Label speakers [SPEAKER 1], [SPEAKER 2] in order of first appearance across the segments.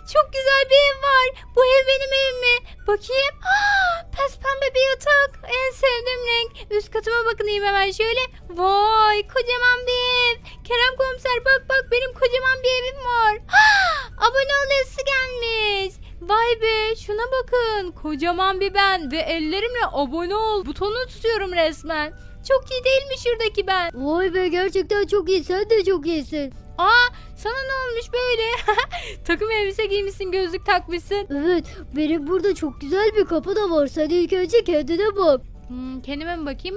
[SPEAKER 1] çok güzel bir ev var. Bu ev benim evim mi? Bakayım. Pembe bir yatak. En sevdiğim renk. Üst katıma bakayım hemen şöyle. Vay, kocaman bir ev. Kerem komiser bak benim kocaman bir evim var. Abone ol yazısı gelmiş. Vay be, şuna bakın. Kocaman bir ben ve ellerimle abone ol butonunu tutuyorum resmen. Çok iyi değil mi şuradaki ben?
[SPEAKER 2] Vay be, gerçekten çok iyi, sen de çok iyisin.
[SPEAKER 1] Sana ne olmuş böyle? Takım elbise giymişsin, gözlük takmışsın.
[SPEAKER 2] Evet, benim burada çok güzel bir kapı da var, sen ilk önce kendine bak.
[SPEAKER 1] Kendime mi bakayım?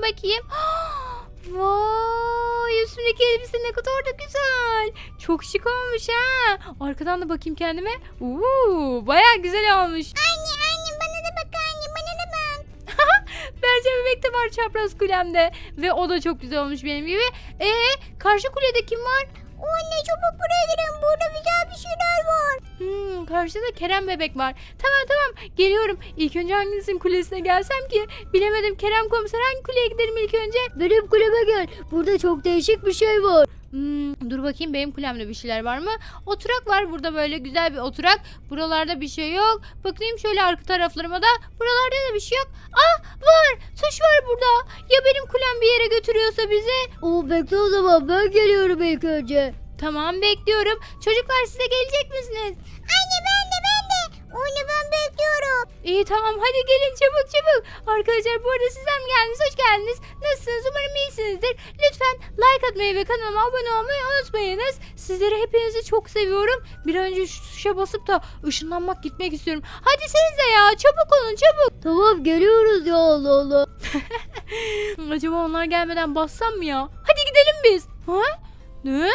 [SPEAKER 1] Vay, üstümdeki elbise ne kadar da güzel. Çok şık olmuş ha. Arkadan da bakayım kendime. Bayağı güzel olmuş.
[SPEAKER 2] Anne bana da bak, anne bana da bak.
[SPEAKER 1] Berce bebek de var çapraz kulemde. Ve o da çok güzel olmuş benim gibi. Karşı kulede kim var?
[SPEAKER 2] Anne çabuk buraya girin, burada güzel bir şeyler var.
[SPEAKER 1] Karşıda Kerem bebek var. Tamam geliyorum. İlk önce hangisinin kulesine gelsem ki? Bilemedim. Kerem komiser, hangi kuleye gidelim ilk önce?
[SPEAKER 2] Benim kuleme gel, burada çok değişik bir şey var.
[SPEAKER 1] Dur bakayım, benim kulemde bir şeyler var mı? Oturak var burada, böyle güzel bir oturak. Buralarda bir şey yok. Bakayım şöyle arka taraflarıma da. Buralarda da bir şey yok. Var. Tuş var burada. Ya benim kulem bir yere götürüyorsa bizi?
[SPEAKER 2] Bekle o zaman, ben geliyorum ilk önce.
[SPEAKER 1] Tamam, bekliyorum. Çocuklar, size gelecek misiniz?
[SPEAKER 2] Anne ben de. Onu ben bekliyorum.
[SPEAKER 1] İyi, tamam, hadi gelin çabuk. Arkadaşlar, bu arada sizler mi geldiniz? Hoş geldiniz. Nasılsınız? Umarım iyisinizdir. Lütfen like atmayı ve kanalıma abone olmayı unutmayınız. Sizleri hepinizi çok seviyorum. Bir an önce şu tuşa basıp da ışınlanmak, gitmek istiyorum. Hadi siz de ya, çabuk olun, çabuk.
[SPEAKER 2] Tamam, geliyoruz ya, Allah Allah.
[SPEAKER 1] Acaba onlar gelmeden bassam mı ya? Hadi gidelim biz. Ne?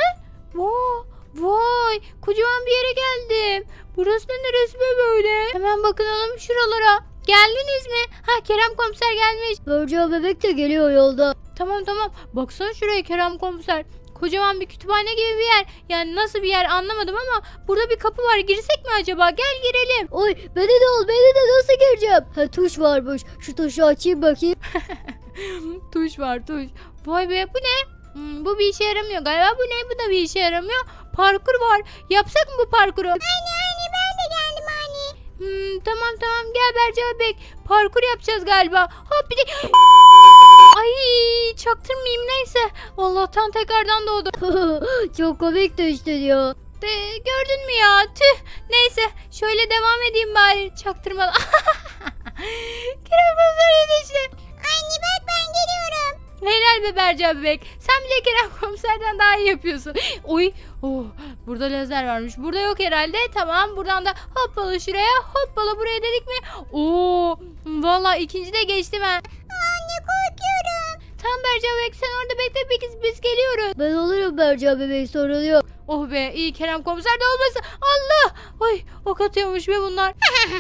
[SPEAKER 1] Vay, kocaman bir yere geldim. Burası da neresi be böyle? Hemen bakalım şuralara. Geldiniz mi? Kerem komiser gelmiş.
[SPEAKER 2] Berca bebek de geliyor yolda.
[SPEAKER 1] Tamam. Baksana şuraya Kerem komiser. Kocaman bir kütüphane gibi bir yer. Yani nasıl bir yer anlamadım ama burada bir kapı var. Girsek mi acaba? Gel girelim.
[SPEAKER 2] Oy, beni de nasıl gireceğim? Tuş varmış. Şu tuşu açayım bakayım.
[SPEAKER 1] Tuş var. Vay be, bu ne? Bu bir işe yaramıyor galiba. Bu ne? Bu da bir işe yaramıyor. Parkur var. Yapsak mı bu parkuru?
[SPEAKER 2] Anne ben de geldim anne.
[SPEAKER 1] Tamam, gel Berce bebek. Parkur yapacağız galiba. Hop bir de... Ay, çaktırmayayım, neyse. Allah'tan tekrardan doğdu.
[SPEAKER 2] Çok komik düştün ya.
[SPEAKER 1] Gördün mü ya? Tüh. Neyse, şöyle devam edeyim bari çaktırmadan. Kerem komiser işte.
[SPEAKER 2] Anne bak, ben geliyorum.
[SPEAKER 1] Helal be Berce bebek. Sen bile Kerem komiserden daha iyi yapıyorsun. Burada lazer varmış. Burada yok herhalde. Tamam, buradan da hoppala şuraya, hoppala buraya dedik mi? Vallahi ikinci de geçtim ha.
[SPEAKER 2] Anne korkuyorum.
[SPEAKER 1] Tamam Berce bebek, sen orada bekle, biz geliyoruz.
[SPEAKER 2] Ben olurum Berca bebek, sorun yok.
[SPEAKER 1] Oh be, iyi Kerem komiser de olmasın. Allah! Ay, ok atıyormuş be bunlar.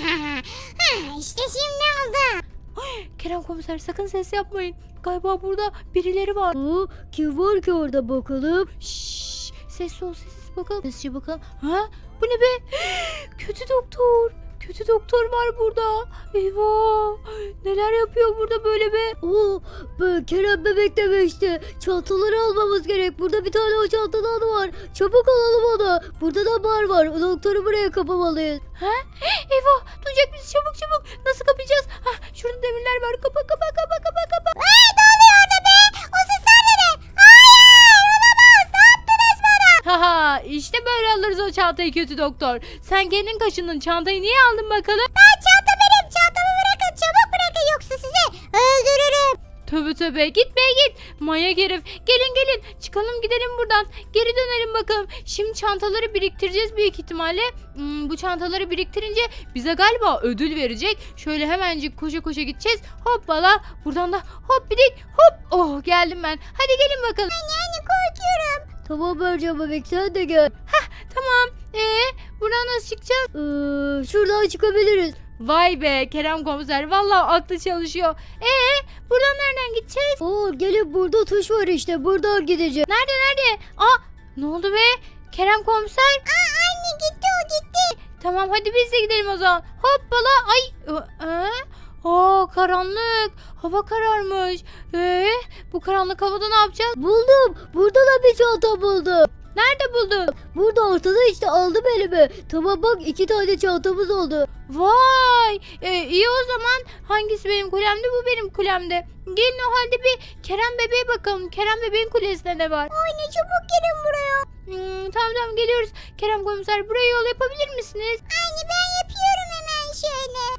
[SPEAKER 2] İşte şimdi oldu.
[SPEAKER 1] Kerem komiser, sakın ses yapmayın. Galiba burada birileri var.
[SPEAKER 2] Kim var ki orada bakalım?
[SPEAKER 1] Şşş, sessiz ol, bakalım. Sessizce bakalım. Bu ne be? Kötü doktor. Kötü doktor var burada. Eyvah. Neler yapıyor burada böyle be?
[SPEAKER 2] Ben Kerem bebek demişti. Çantaları almamız gerek. Burada bir tane o çantadan var. Çabuk alalım onu. Burada da bar var. O doktoru buraya kapamalıyız.
[SPEAKER 1] Eyvah, duyacak bizi, çabuk. Nasıl kapayacağız? Şurada demirler var. Kapa.
[SPEAKER 2] Ne oluyor orada be? O sesler ne? Hayır, olamaz. Ne yaptınız bana?
[SPEAKER 1] İşte böyle alırız o çantayı kötü doktor. Sen kendin kaşındın, çantayı niye aldın bakalım?
[SPEAKER 2] Çanta benim. Çantamı bırakın. Çabuk bırakın, yoksa sizi öldürürüm.
[SPEAKER 1] Tövbe git manyak herif. Gelin çıkalım, gidelim buradan, geri dönelim bakalım. Şimdi çantaları biriktireceğiz büyük ihtimalle. Bu çantaları biriktirince bize galiba ödül verecek. Şöyle hemencik koşa gideceğiz. Hoppala, buradan da hop bidik hop. Geldim ben, hadi gelin bakalım.
[SPEAKER 2] Anne korkuyorum. Tamam Berca bebek, sen de gel.
[SPEAKER 1] Tamam, buradan nasıl çıkacağız?
[SPEAKER 2] Şuradan çıkabiliriz.
[SPEAKER 1] Vay be Kerem komiser, vallahi aklı çalışıyor. Buradan nereden gideceğiz?
[SPEAKER 2] Gelin, burada tuş var işte, buradan gideceğiz.
[SPEAKER 1] Nerede? Ne oldu be Kerem komiser?
[SPEAKER 2] Anne gitti, o gitti.
[SPEAKER 1] Tamam, hadi biz de gidelim o zaman. Hoppala, ay. Karanlık. Hava kararmış. Bu karanlık havada ne yapacağız?
[SPEAKER 2] Buldum. Burada da bir çanta buldum.
[SPEAKER 1] Nerede buldun?
[SPEAKER 2] Burada ortada işte, aldım elime. Tamam bak, 2 tane çantamız oldu.
[SPEAKER 1] Vay! İyi o zaman. Hangisi benim kulemde? Bu benim kulemde. Gelin o halde bir Kerem bebeğe bakalım. Kerem bebeğin kulesinde ne var?
[SPEAKER 2] Anne çabuk gelin buraya.
[SPEAKER 1] Tamam geliyoruz. Kerem komiser buraya yol yapabilir misiniz?
[SPEAKER 2] Anne ben yapıyorum hemen şöyle.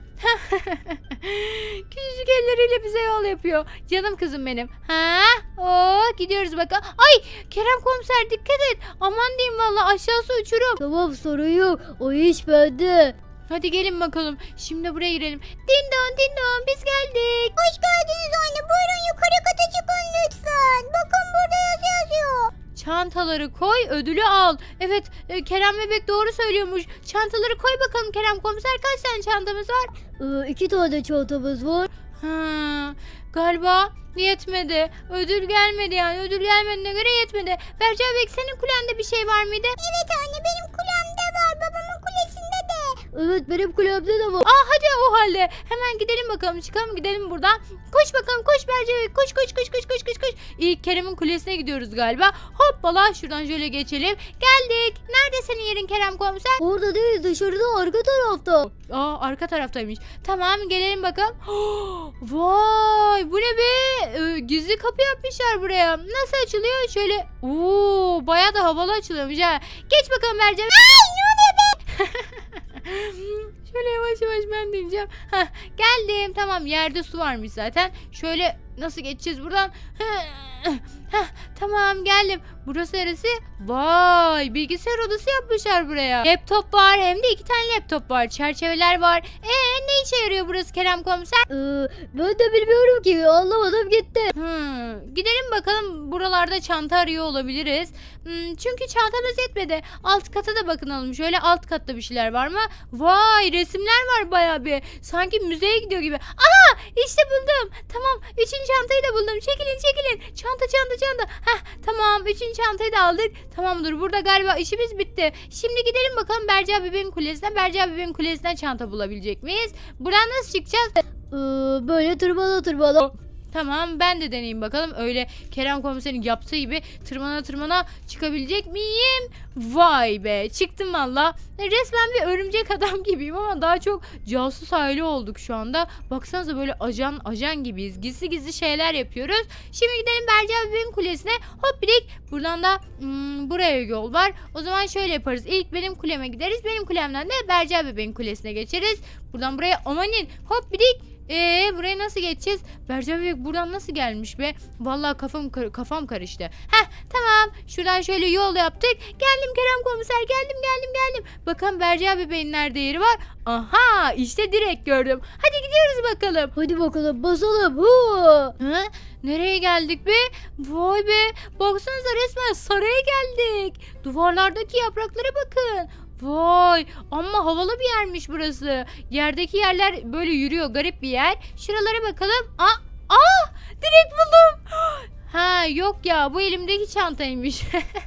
[SPEAKER 1] Küçücük elleriyle bize yol yapıyor. Canım kızım benim. Gidiyoruz bakalım. Ay Kerem komiser dikkat et. Aman diyeyim valla aşağısı uçurum.
[SPEAKER 2] Tamam, sorun yok. O iş bende.
[SPEAKER 1] Hadi gelin bakalım. Şimdi buraya girelim. Dindon dindon biz geldik.
[SPEAKER 2] Hoş geldiniz anne. Buyurun yukarı kata çıkın lütfen. Bakın burada yazıyor.
[SPEAKER 1] Çantaları koy, ödülü al. Evet, Kerem bebek doğru söylüyormuş. Çantaları koy bakalım Kerem komiser. Kaç tane çantamız var?
[SPEAKER 2] 2 tane çantamız var.
[SPEAKER 1] Galiba yetmedi. Ödül gelmedi yani. Ödül gelmediğine göre yetmedi. Berca bebek senin kulende bir şey var mıydı?
[SPEAKER 2] Evet anne, benim kulemde var. Babamın kulesinde de. Evet, benim kulemde de var.
[SPEAKER 1] Hadi o halde. Hemen gidelim bakalım. Çıkalım gidelim buradan. Koş bakalım koş Berca bebek. Koş koş koş koş koş koş koş. İlk Kerem'in kulesine gidiyoruz galiba. Hoppala şuradan şöyle geçelim. Geldik. Nerede senin yerin Kerem komiser?
[SPEAKER 2] Orada değil, dışarıda, arka tarafta.
[SPEAKER 1] Arka taraftaymış. Tamam gelelim bakalım. Vay bu ne be? Gizli kapı yapmışlar buraya. Nasıl açılıyor? Şöyle. Bayağı da havalı açılıyormuş ha. Geç bakalım Mercan. Ay ne oluyor be? Şöyle yavaş yavaş ben deneyeceğim. Geldim. Tamam yerde su varmış zaten. Şöyle nasıl geçeceğiz buradan? Tamam geldim. Burası neresi? Vay bilgisayar odası yapmışlar buraya. Laptop var hem de 2 tane laptop var. Çerçeveler var. Ne işe yarıyor burası Kerem komiser?
[SPEAKER 2] Ben de bilmiyorum ki, anlamadım gitti.
[SPEAKER 1] Gidelim bakalım buralarda çanta arıyor olabiliriz. Çünkü çantamız yetmedi. Alt kata da bakınalım. Şöyle alt katta bir şeyler var mı? Vay resimler var bayağı bir. Sanki müzeye gidiyor gibi. Aha işte buldum. Tamam 3. çantayı da buldum. Çekilin. Çanta. Tamam 3. çantayı da aldık. Tamamdır burada galiba işimiz bitti. Şimdi gidelim bakalım Berca bebeğin kulesine. Berca bebeğin kulesinden çanta bulabilecek miyiz? Buradan nasıl çıkacağız?
[SPEAKER 2] Böyle tırmala.
[SPEAKER 1] Tamam ben de deneyeyim bakalım. Öyle Kerem komiserin yaptığı gibi tırmana çıkabilecek miyim? Vay be çıktım valla. Resmen bir örümcek adam gibiyim ama daha çok casus aile olduk şu anda. Baksanıza böyle ajan gibiyiz. Gizli şeyler yapıyoruz. Şimdi gidelim Berca bebeğin kulesine. Hoppidik. Buradan da buraya yol var. O zaman şöyle yaparız. İlk benim kuleme gideriz. Benim kulemden de Berca bebeğin kulesine geçeriz. Buradan buraya amanin hoppidik. Buraya nasıl geçeceğiz? Berca bebek buradan nasıl gelmiş be? Vallahi kafam karıştı. Tamam. Şuradan şöyle yol yaptık. Geldim Kerem komiser. Geldim. Bakalım Berca bebeğin nerede yeri var? Aha işte direkt gördüm. Hadi gidiyoruz bakalım.
[SPEAKER 2] Hadi bakalım basalım.
[SPEAKER 1] Nereye geldik be? Vay be. Baksanıza resmen saraya geldik. Duvarlardaki yapraklara bakın. Vay amma havalı bir yermiş burası. Yerdeki yerler böyle yürüyor, garip bir yer. Şuralara bakalım. Direkt buldum. Yok ya bu elimdeki çantaymış.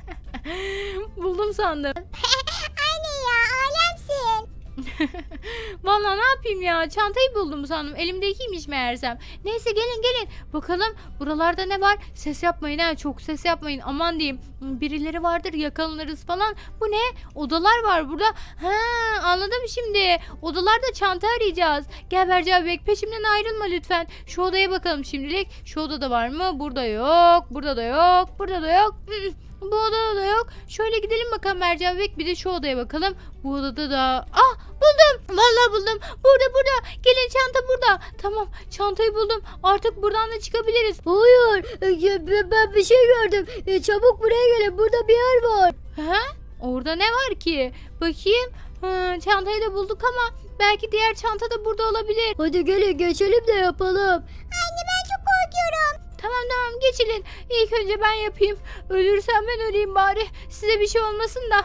[SPEAKER 1] Buldum sandım.
[SPEAKER 2] Anne ya, alemsin.
[SPEAKER 1] Vallahi ne yapayım ya çantayı buldum sandım, elimdekiymiş meğersem. Neyse gelin bakalım buralarda ne var. Ses yapmayın ha, çok ses yapmayın aman diyeyim. Birileri vardır yakalanırız falan. Bu ne? Odalar var burada. Anladım şimdi. Odalarda çanta arayacağız. Gel Berca bebek peşimden ayrılma lütfen. Şu odaya bakalım şimdilik. Şu odada var mı? Burada yok. Burada da yok. Bu odada da yok. Şöyle gidelim bakalım Berca bebek. Bir de şu odaya bakalım. Bu odada da... buldum. Vallahi buldum. Burada. Gelin çanta burada. Tamam çantayı buldum. Artık buradan da çıkabiliriz.
[SPEAKER 2] Hayır, ben bir şey gördüm. Çabuk buraya gelin, burada bir yer var.
[SPEAKER 1] Orada ne var ki? Bakayım. Çantayı da bulduk ama belki diğer çanta da burada olabilir.
[SPEAKER 2] Hadi gelin geçelim de yapalım.
[SPEAKER 1] Anne ben çok korkuyorum. Tamam geçilin. İlk önce ben yapayım. Ölürsem ben öleyim bari. Size bir şey olmasın da.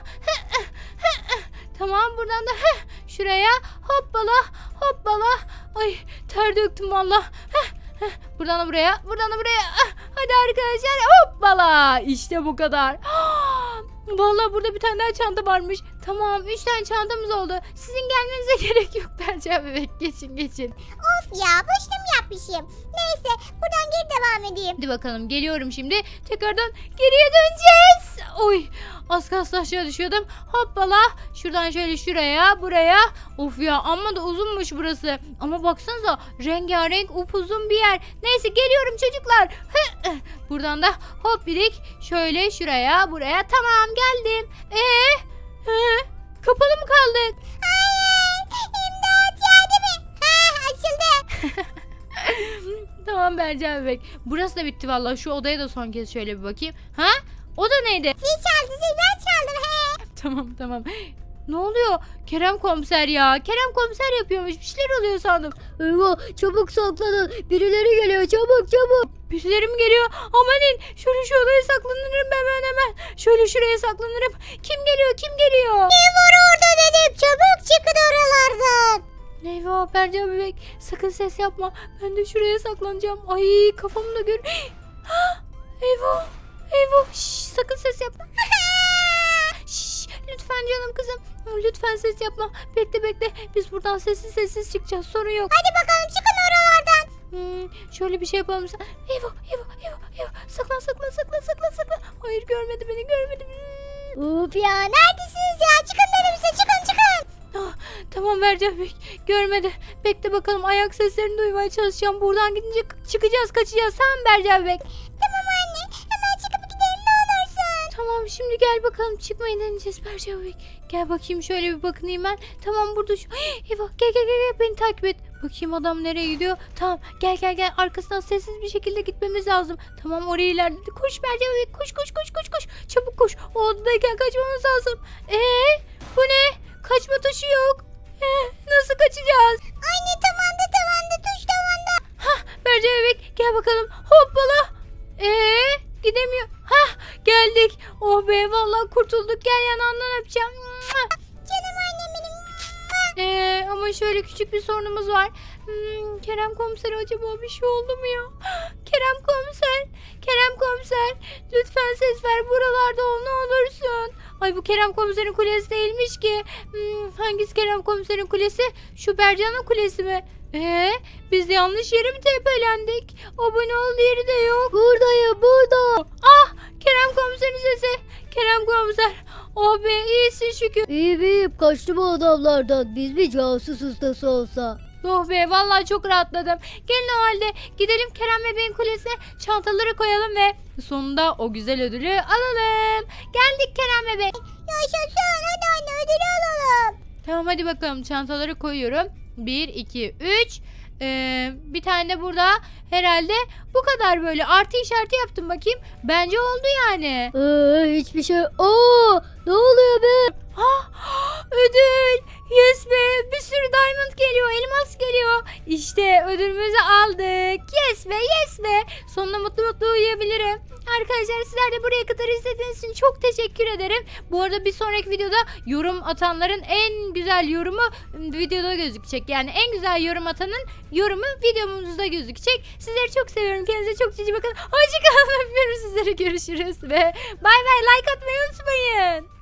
[SPEAKER 1] Tamam buradan da şuraya hoppala. Ay ter döktüm valla. Buradan da buraya. Hadi arkadaşlar hoppala. İşte bu kadar. Vallahi burada bir tane daha çanta varmış. Tamam 3 tane çantamız oldu. Sizin gelmenize gerek yok Berca bebek. Geçin.
[SPEAKER 3] Of ya boşuna mı yapmışım? Neyse buradan geri devam edeyim.
[SPEAKER 1] Hadi bakalım geliyorum şimdi. Tekrardan geriye döneceğiz. Oy az kalsın aşağı düşüyordum. Hoppala şuradan şöyle şuraya buraya. Of ya amma da uzunmuş burası. Ama baksanıza rengarenk upuzun bir yer. Neyse geliyorum çocuklar. Buradan da hop birik şöyle şuraya buraya. Tamam geldim. Kapalı mı kaldık?
[SPEAKER 3] Hayır imdat yardım et. Ha açıldı.
[SPEAKER 1] Tamam Berca bebek. Burası da bitti vallahi. Şu odaya da son kez şöyle bir bakayım. Ha? O da neydi?
[SPEAKER 3] Zil çaldı ben çaldım he.
[SPEAKER 1] Tamam. Ne oluyor? Kerem komiser ya. Kerem komiser yapıyormuş. Bir şeyler oluyor sandım.
[SPEAKER 2] Eyvah çabuk saklanın. Birileri geliyor çabuk.
[SPEAKER 1] Birileri mi geliyor? Amanin. Şöyle şu odaya saklanırım hemen. Şöyle şuraya saklanırım. Kim geliyor?
[SPEAKER 3] Ne var orada dedim çabuk çıkın oralardan.
[SPEAKER 1] Eyvah Berca bebek. Sakın ses yapma. Ben de şuraya saklanacağım. Ay kafamı da gör. Eyvah. Şşş, sakın ses yapma. Şşş, lütfen canım kızım. Lütfen ses yapma. Bekle. Biz buradan sessiz çıkacağız. Sorun yok.
[SPEAKER 3] Hadi bakalım çıkın oralardan.
[SPEAKER 1] Şöyle bir şey yapalım. Eyvah. Saklan. Hayır görmedi beni.
[SPEAKER 3] Uf ya neredesiniz ya çıkın dedim size çıkın.
[SPEAKER 1] Tamam Berca bebek. Görmedi. Bekle bakalım. Ayak seslerini duymaya çalışacağım. Buradan gidince çıkacağız kaçacağız. Tamam Berca bebek.
[SPEAKER 3] Tamam anne hemen çıkıp gidelim ne olursun.
[SPEAKER 1] Tamam şimdi gel bakalım çıkmayı deneyeceğiz Berca bebek. Gel bakayım şöyle bir bakınayım ben. Tamam burada şu. Eyvah gel beni takip et. Bakayım adam nereye gidiyor. Tamam gel arkasından sessiz bir şekilde gitmemiz lazım. Tamam oraya ilerledi. Koş Berca bebek koş. Çabuk koş. O odadayken kaçmamız lazım. Bu ne? Kaçma tuşu yok. Nasıl kaçacağız?
[SPEAKER 3] Anne tavanda tuş tavanda.
[SPEAKER 1] Berca bebek gel bakalım. Hoppala. Gidemiyor. Geldik. Oh be vallahi kurtulduk. Gel yanağından öpeceğim.
[SPEAKER 3] Canım annem benim.
[SPEAKER 1] Ama şöyle küçük bir sorunumuz var. Kerem komiser acaba bir şey oldu mu ya? Kerem komiser. Lütfen ses ver buralarda ol ne olursun. Ay bu Kerem komiserin kulesi değilmiş ki. Hangisi Kerem komiserin kulesi? Şu Bercan'ın kulesi mi? Biz yanlış yere mi tepelendik? Abone ol yeri de yok.
[SPEAKER 2] Buradayım burada.
[SPEAKER 1] Kerem komiserin sesi. Kerem komiser. Oh be iyisin şükür.
[SPEAKER 2] İyiyim kaçtım o adamlardan. Biz bir casus ustası olsa.
[SPEAKER 1] Oh be vallahi çok rahatladım. Gelin o halde gidelim Kerem bebeğin kulesine çantaları koyalım ve sonunda o güzel ödülü alalım. Geldik Kerem bebek.
[SPEAKER 3] Yaşasın hadi anne ödülü alalım.
[SPEAKER 1] Tamam hadi bakalım çantaları koyuyorum. 1, 2, 3. Bir tane de burada herhalde bu kadar böyle artı işareti yaptım bakayım. Bence oldu yani.
[SPEAKER 2] Hiçbir şey. Ne oluyor be?
[SPEAKER 1] Ödül. Yes be. Bir sürü diamond geliyor. Elmas geliyor. İşte ödülümüzü aldık. Yes be. Sonunda mutlu uyuyabilirim. Arkadaşlar sizler de buraya kadar izlediğiniz için çok teşekkür ederim. Bu arada bir sonraki videoda yorum atanların en güzel yorumu videoda gözükecek. Yani en güzel yorum atanın yorumu videomuzda gözükecek. Sizleri çok seviyorum. Kendinize çok cici bakın. Hoşçakalın. Öpüyorum sizleri. Görüşürüz ve bay bay. Like atmayı unutmayın.